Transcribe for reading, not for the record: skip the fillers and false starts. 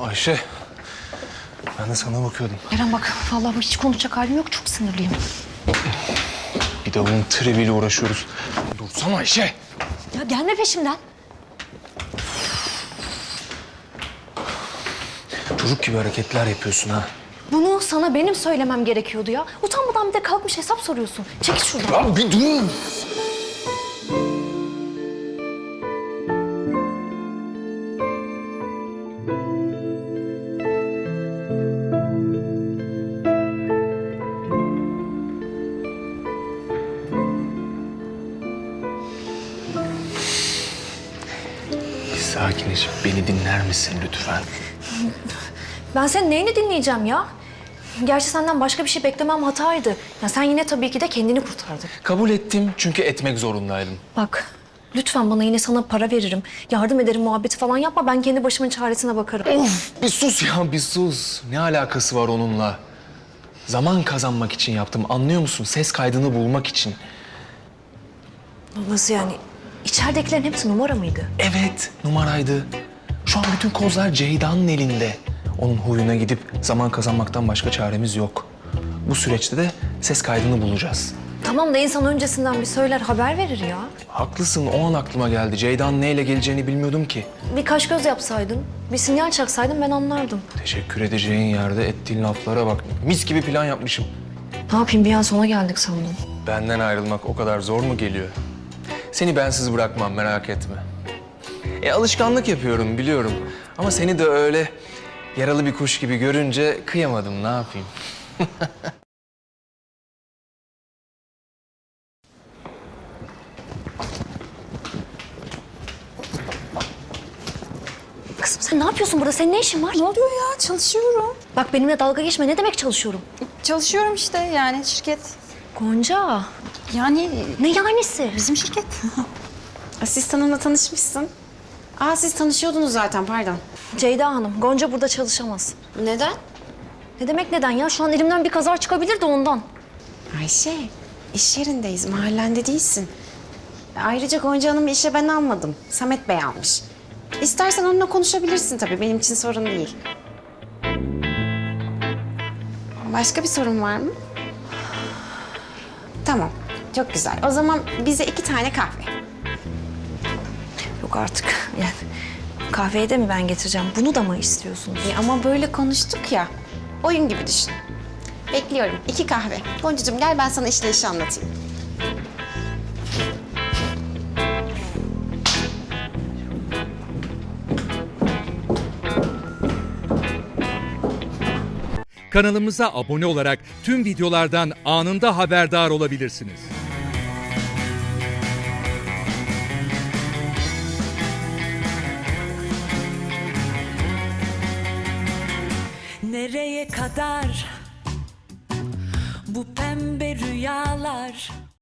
Ayşe, ben de sana bakıyordum. Eren bak, vallahi hiç konuşacak halim yok. Çok sinirliyim. Bir de bunun triviyle uğraşıyoruz. Dursana Ayşe. Ya gelme peşimden. Çocuk gibi hareketler yapıyorsun ha. Bunu sana benim söylemem gerekiyordu ya. Utanmadan bir de kalkmış hesap soruyorsun. Çekil şuradan. Ya bir dur. Sakinleşip beni dinler misin lütfen? Ben senin neyini dinleyeceğim ya? Gerçi senden başka bir şey beklemem hataydı. Ya sen yine tabii ki de kendini kurtardın. Kabul ettim çünkü etmek zorundaydım. Bak, lütfen bana yine sana para veririm. Yardım ederim muhabbeti falan yapma. Ben kendi başımın çaresine bakarım. Of bir sus ya bir sus. Ne alakası var onunla? Zaman kazanmak için yaptım anlıyor musun? Ses kaydını bulmak için. Nasıl yani? İçeridekilerin hepsi numara mıydı? Evet numaraydı. Şu an bütün kozlar Ceyda'nın elinde. Onun huyuna gidip zaman kazanmaktan başka çaremiz yok. Bu süreçte de ses kaydını bulacağız. Tamam da insan öncesinden bir söyler, haber verir ya. Haklısın o an aklıma geldi. Ceyda'nın neyle geleceğini bilmiyordum ki. Bir kaş göz yapsaydın, bir sinyal çaksaydın ben anlardım. Teşekkür edeceğin yerde ettiğin laflara bak. Mis gibi plan yapmışım. Ne yapayım, bir an sona geldik sandım. Benden ayrılmak o kadar zor mu geliyor? Seni bensiz bırakmam merak etme. Alışkanlık yapıyorum biliyorum. Ama seni de öyle yaralı bir kuş gibi görünce kıyamadım ne yapayım? Kızım sen ne yapıyorsun burada? Senin ne işin var? Ne oluyor ya? Çalışıyorum. Bak benimle dalga geçme. Ne demek çalışıyorum? Çalışıyorum işte yani şirket. Gonca. Yani Ne yanisi? bizim şirket. Asistanımla tanışmışsın. Aa siz tanışıyordunuz zaten pardon. Ceyda Hanım, Gonca burada çalışamaz. Neden? Ne demek neden ya? Şu an elimden bir kazar çıkabilir de ondan. Ayşe iş yerindeyiz mahallende değilsin. Ayrıca Gonca Hanım'ı işe ben almadım. Samet Bey almış. İstersen onunla konuşabilirsin tabii benim için sorun değil. Başka bir sorun var mı? Tamam çok güzel. O zaman bize 2 tane kahve. Yok artık. Yani kahveyi de mi ben getireceğim? Bunu da mı istiyorsunuz? Ama böyle konuştuk ya. Oyun gibi düşün. Bekliyorum. 2 kahve. Goncacığım gel ben sana işleyişi anlatayım. Kanalımıza abone olarak tüm videolardan anında haberdar olabilirsiniz. Nereye kadar bu pembe rüyalar?